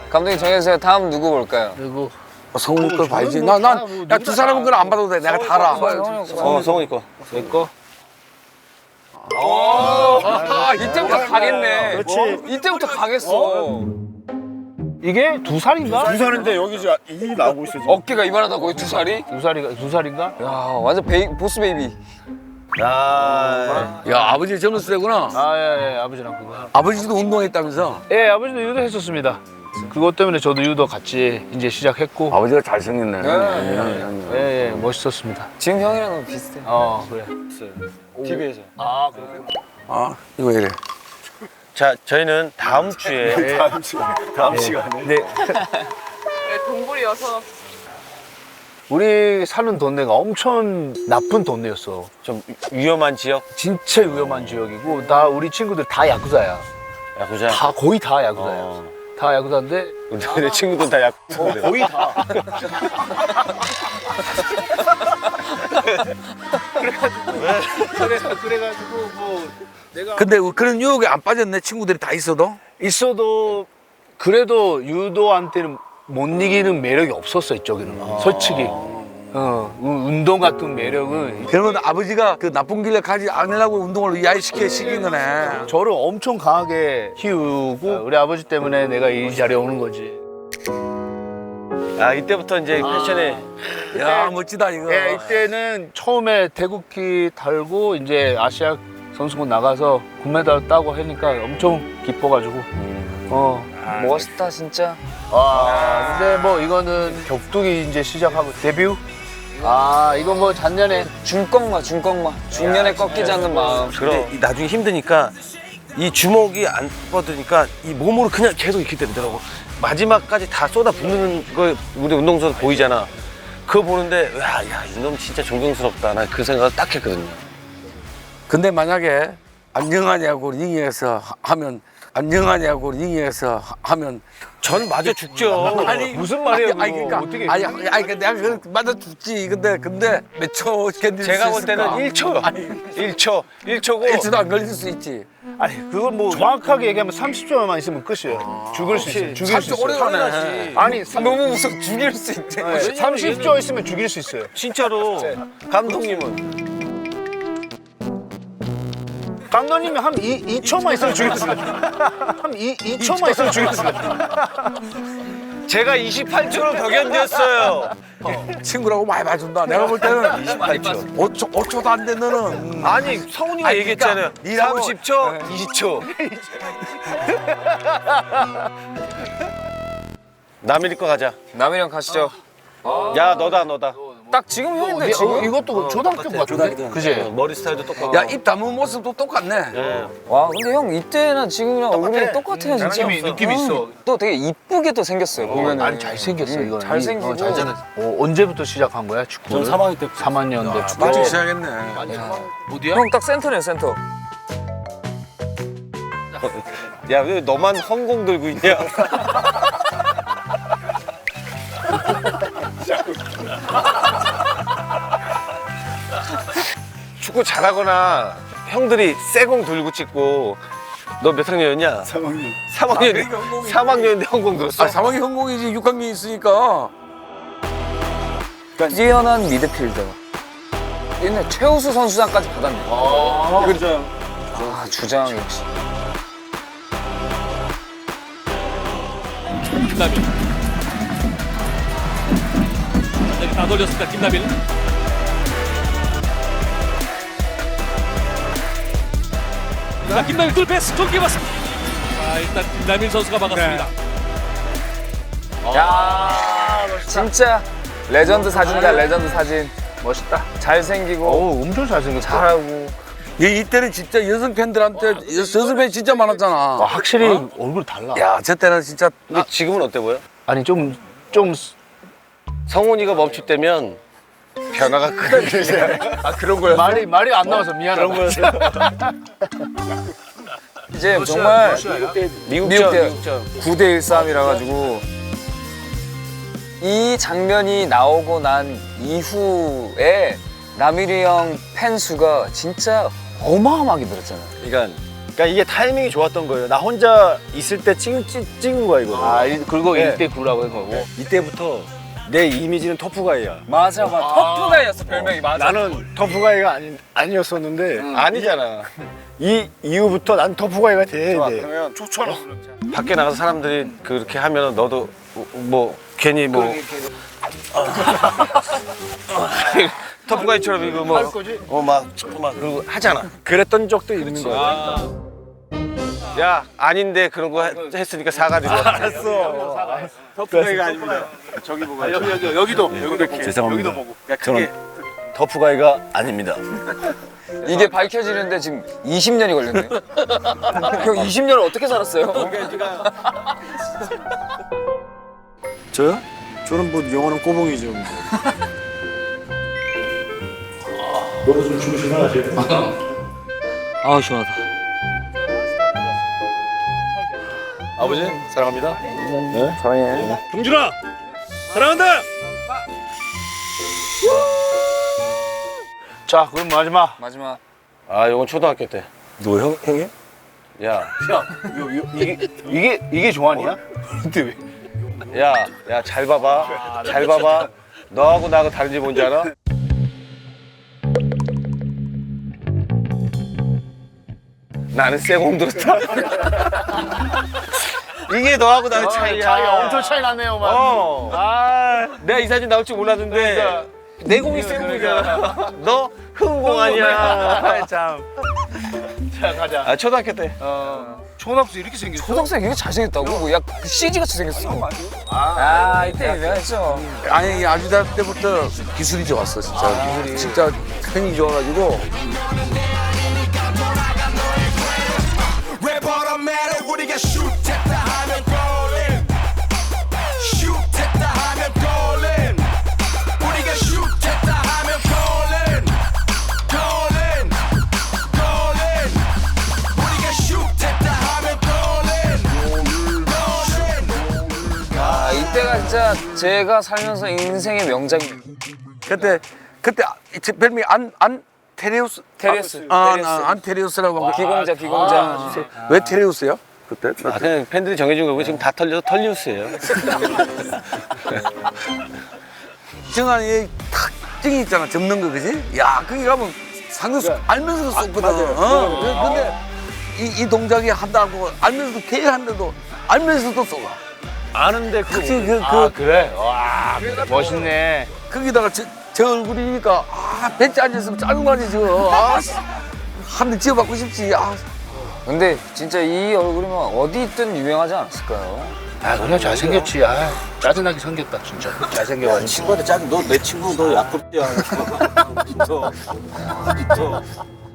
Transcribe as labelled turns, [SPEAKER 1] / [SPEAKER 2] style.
[SPEAKER 1] 감독님 정해주세요. 다음 누구 볼까요?
[SPEAKER 2] 그리고
[SPEAKER 3] 성훈이 걸 봐야지. 야, 두 사람은 그걸 안 봐도 돼. 내가 다 알아.
[SPEAKER 4] 성훈이 거.
[SPEAKER 2] 내 거.
[SPEAKER 1] 이때부터 가겠네.
[SPEAKER 5] 그렇지.
[SPEAKER 1] 이때부터 가겠어.
[SPEAKER 2] 이게 2살인가?
[SPEAKER 5] 2살인데 여기 이제 이 나오고 있어 지금.
[SPEAKER 1] 어깨가 이만하다고 2살이?
[SPEAKER 2] 2살인가?
[SPEAKER 1] 야 완전 보스 베이비.
[SPEAKER 4] 야,
[SPEAKER 3] 야, 아버지 젊었을 때구나.
[SPEAKER 2] 예, 아버지랑 그거.
[SPEAKER 3] 아버지도 운동했다면서?
[SPEAKER 2] 예, 아버지도 유도 했었습니다. 그것 때문에 저도 유도 같이 이제 시작했고.
[SPEAKER 3] 아버지가 잘생겼네.
[SPEAKER 2] 예, 멋있었습니다.
[SPEAKER 1] 지금 형이랑 너무 비슷해.
[SPEAKER 2] 그래.
[SPEAKER 4] TV에서.
[SPEAKER 2] 아, 그래.
[SPEAKER 3] 아, 이거 이래.
[SPEAKER 4] 자, 저희는 다음 주에
[SPEAKER 5] 다음 시간에.
[SPEAKER 2] 네.
[SPEAKER 6] 동굴이어서
[SPEAKER 2] 우리 사는 동네가 엄청 나쁜 동네였어.
[SPEAKER 4] 좀 위험한 지역
[SPEAKER 2] 진짜 위험한 지역이고 다 우리 친구들 다 야구자야.
[SPEAKER 4] 야구장.
[SPEAKER 2] 다 거의 다 야구자야. 다 야구자인데
[SPEAKER 4] 내 친구들 다 야구.
[SPEAKER 2] 거의 다. 그래가지고 뭐 내가
[SPEAKER 3] 근데 그런 유혹에 안 빠졌네, 친구들이 다 있어도?
[SPEAKER 2] 있어도 그래도 유도한테는 못 이기는 매력이 없었어 이쪽에는 솔직히. 운동 같은 매력은
[SPEAKER 3] 그러면 아버지가 그 나쁜 길에 가지 않으려고 운동을 시킨 거네.
[SPEAKER 2] 저를 엄청 강하게 키우고 우리 아버지 때문에 내가 이 자리에 오는 거지.
[SPEAKER 4] 아, 이때부터 이제 패션에
[SPEAKER 3] 야, 멋지다, 이거.
[SPEAKER 2] 예, 이때는 처음에 태극기 달고 이제 아시아 선수권 나가서 금메달 따고 하니까 엄청 기뻐가지고.
[SPEAKER 1] 멋있다 진짜.
[SPEAKER 2] 근데 뭐 이거는 격투기 이제 시작하고 데뷔? 이건 뭐 작년에
[SPEAKER 1] 중꺾마. 중년에 꺾이지 않는 마음.
[SPEAKER 4] 근데 이 나중에 힘드니까 이 주먹이 안 뻗으니까 이 몸으로 그냥 계속 이렇게 되더라고. 마지막까지 다 쏟아붓는 거 우리 운동선수 보이잖아. 그거 보는데 야, 이놈 진짜 존경스럽다. 나 그 생각을 딱 했거든요.
[SPEAKER 3] 근데 만약에 안녕하냐고 링에서 하면
[SPEAKER 4] 전 맞아 죽죠.
[SPEAKER 3] 아니
[SPEAKER 2] 무슨 말이에요, 그거.
[SPEAKER 3] 그러니까
[SPEAKER 2] 어떻게
[SPEAKER 3] 아니 내가 그 맞아 죽지. 근데 몇 초 견딜 수
[SPEAKER 4] 제가 볼 때는
[SPEAKER 3] 있을까?
[SPEAKER 4] 1초요.
[SPEAKER 3] 아니
[SPEAKER 4] 1초고
[SPEAKER 3] 1초도 안 걸릴 수 있지.
[SPEAKER 2] 아니 그건 뭐 정확하게 얘기하면 30초만 있으면 끝이에요. 죽을 수 있어요. 죽일 수
[SPEAKER 3] 30초 오래
[SPEAKER 2] 있어요.
[SPEAKER 3] 가네.
[SPEAKER 2] 아니
[SPEAKER 1] 너무 무서워. 죽일 수 있대.
[SPEAKER 2] 30초 있으면 죽일 수 있어요.
[SPEAKER 4] 진짜로 감독님은
[SPEAKER 2] 감독님이 한 2초만 있으면 죽일 수 있어요. 한 2초만 있으면 죽일 수 있어요.
[SPEAKER 4] 제가 28초로 더 견뎠어요.
[SPEAKER 3] 친구라고 많이 봐준다. 내가 볼 때는
[SPEAKER 4] 28초.
[SPEAKER 3] 5초도 안 돼, 너는.
[SPEAKER 4] 아니 성훈이가
[SPEAKER 3] 아니,
[SPEAKER 4] 얘기했잖아요.
[SPEAKER 3] 그러니까 니라고-
[SPEAKER 4] 30초, 20초. 남일 거 가자.
[SPEAKER 1] 남이랑 가시죠.
[SPEAKER 4] 야 너다.
[SPEAKER 1] 딱 지금 형인데 지금.
[SPEAKER 2] 이것도 초등학교 같은데? 그지?
[SPEAKER 4] 머리 스타일도 똑같고.
[SPEAKER 3] 야, 입 다문 모습도 똑같네.
[SPEAKER 4] 예.
[SPEAKER 1] 와 근데 형 이때나 지금이랑 얼굴이 똑같아요 진짜.
[SPEAKER 2] 느낌 있어.
[SPEAKER 1] 또 되게 이쁘게 또 생겼어요 보면은.
[SPEAKER 2] 아니 잘생겼어 이거.
[SPEAKER 1] 잘생기고.
[SPEAKER 2] 언제부터 시작한 거야 축구?
[SPEAKER 5] 전 3학년 때.
[SPEAKER 2] 3학년 때 축구.
[SPEAKER 3] 일찍 시작했네.
[SPEAKER 1] 형 딱 센터네 센터.
[SPEAKER 4] 야 왜 너만 헌공 들고 있냐? 축구 잘하거나 형들이 쇠공 들고 찍고 너 몇 학년이었냐?
[SPEAKER 5] 3학년.
[SPEAKER 4] 3학년인데 헌공 들었어?
[SPEAKER 3] 3학년 현공이지 6학년 있으니까.
[SPEAKER 1] 뛰어난 미드필더. 옛날 최우수 선수상까지 받았네.
[SPEAKER 5] 그죠.
[SPEAKER 1] 주장 역시.
[SPEAKER 7] 김나빌. 완전히 다 돌렸습니다. 김나빌. 자, 김나빌 뚫 패스 좋게 봤습니다. 자, 일단 김나빌 선수가 막았습니다.
[SPEAKER 1] 야 진짜 레전드 사진이다 레전드 사진.
[SPEAKER 2] 멋있다.
[SPEAKER 1] 잘생기고
[SPEAKER 2] 엄청 잘생겼어.
[SPEAKER 1] 잘하고.
[SPEAKER 3] 이때는 진짜 여성 팬들한테 여성 팬이 진짜 많았잖아.
[SPEAKER 2] 확실히 얼굴 달라.
[SPEAKER 3] 야, 저 때는 진짜
[SPEAKER 4] 근데 지금은 어때 보여?
[SPEAKER 2] 아니 좀
[SPEAKER 4] 성훈이가 멈출 때면 변화가 크다.
[SPEAKER 2] 그런 거야. 말이 안 나와서 미안하다.
[SPEAKER 1] 이제 정말
[SPEAKER 4] 미국전.
[SPEAKER 1] 9대1 싸움이라 가지고 이 장면이 나오고 난 이후에 남일이 형 팬 수가 진짜 어마어마하게 늘었잖아요.
[SPEAKER 4] 그러니까
[SPEAKER 5] 그러니까 이게 타이밍이 좋았던 거예요. 나 혼자 있을 때 찍은 거야 이거.
[SPEAKER 2] 그리고
[SPEAKER 5] 네.
[SPEAKER 2] 1대9라고 한 거고.
[SPEAKER 5] 이때부터 내 이미지는 터프가이야.
[SPEAKER 1] 맞아. 터프가이였어 별명이. 맞아.
[SPEAKER 5] 나는 터프가이가 아니었었는데 아니잖아. 이 이후부터 난 터프가이가 돼.
[SPEAKER 2] 그러면 좋잖아.
[SPEAKER 4] 밖에 나가서 사람들이 그렇게 하면 너도 뭐 괜히 뭐 터프가이처럼 이거 뭐막 그러고 하잖아.
[SPEAKER 5] 그랬던 적도 있는 거야.
[SPEAKER 4] 야 아닌데 그런 거 했으니까 사과드려.
[SPEAKER 5] 알았어. 터프가이가 아닙니다. 저기 보고
[SPEAKER 2] 여기도
[SPEAKER 5] 죄송합니다.
[SPEAKER 2] 보고.
[SPEAKER 5] 저는 터프가이가 아닙니다.
[SPEAKER 1] 이게 밝혀지는데 지금 20년이 걸렸네. 형 20년을 어떻게 살았어요?
[SPEAKER 5] 저요? 저는 뭐 영원한 꼬봉이죠.
[SPEAKER 1] 아 시원하다.
[SPEAKER 5] 아버지 사랑합니다.
[SPEAKER 7] 경준아 사랑한다.
[SPEAKER 2] 자, 그럼 마지막.
[SPEAKER 1] 마지막.
[SPEAKER 4] 아 이건 초등학교 때.
[SPEAKER 5] 너 형이?
[SPEAKER 4] 야,
[SPEAKER 2] 이게 조한이야? 근데 왜?
[SPEAKER 4] 야 잘 봐봐. 잘 봐봐. 너하고 나하고 다른지 뭔지 알아? 나는 쇠공 들었다. 이게 너하고 나의 차이야.
[SPEAKER 2] 차이 엄청 차이 나네요, 막.
[SPEAKER 4] 내가 이 사진 나올 줄 몰랐는데 내공이 쇠공이잖아. 너 흥공 아니야. 참.
[SPEAKER 2] 자, 가자.
[SPEAKER 4] 아 초등학교 때.
[SPEAKER 2] 초등학생 이렇게 생겼어?
[SPEAKER 1] 초등학생 이게 잘생겼다고? 야 CG 같이 생겼어. 아 이때 유명했죠.
[SPEAKER 3] 아니 아주다 때부터 기술이 좋았어 진짜. 기술이 진짜 팬이 좋아가지고.
[SPEAKER 6] 랩 automatic 우리가 shoot 했다 하면 golin shoot 했다 하면 golin 우리가 shoot 했다 하면 golin golin golin 우리가 shoot 했다 하면 golin golin
[SPEAKER 1] 아 이때가 진짜 제가 살면서 인생의 명작입니다.
[SPEAKER 3] 그때 제 별명이 테레우스.
[SPEAKER 1] 테레우스.
[SPEAKER 3] 안테레우스라고 하고.
[SPEAKER 1] 기공자.
[SPEAKER 3] 왜 테레우스요? 그때?
[SPEAKER 4] 아 그냥 팬들이 정해준 거고 지금 다 털려서 털리우스예요.
[SPEAKER 3] 정한이 탁증이 있잖아 접는 거 그지? 야 거기 가면 상대수 알면서도 쏘거든. 근데 이 동작이 한다고 알면서도 계획한데도 알면서도 쏘아.
[SPEAKER 4] 아는데
[SPEAKER 2] 그래? 와, 멋있네.
[SPEAKER 3] 거기다가 저 얼굴이니까 벤치 앉아있으면 짜증나지 저거. 한 대 지어받고 싶지.
[SPEAKER 1] 근데 진짜 이 얼굴이면 어디 있든 유명하지 않았을까요?
[SPEAKER 2] 그래, 잘생겼지. 짜증나게 생겼다, 진짜. 잘생겨가지고.
[SPEAKER 5] 친구한테 짜증. 너 내 친구 너 약급이야.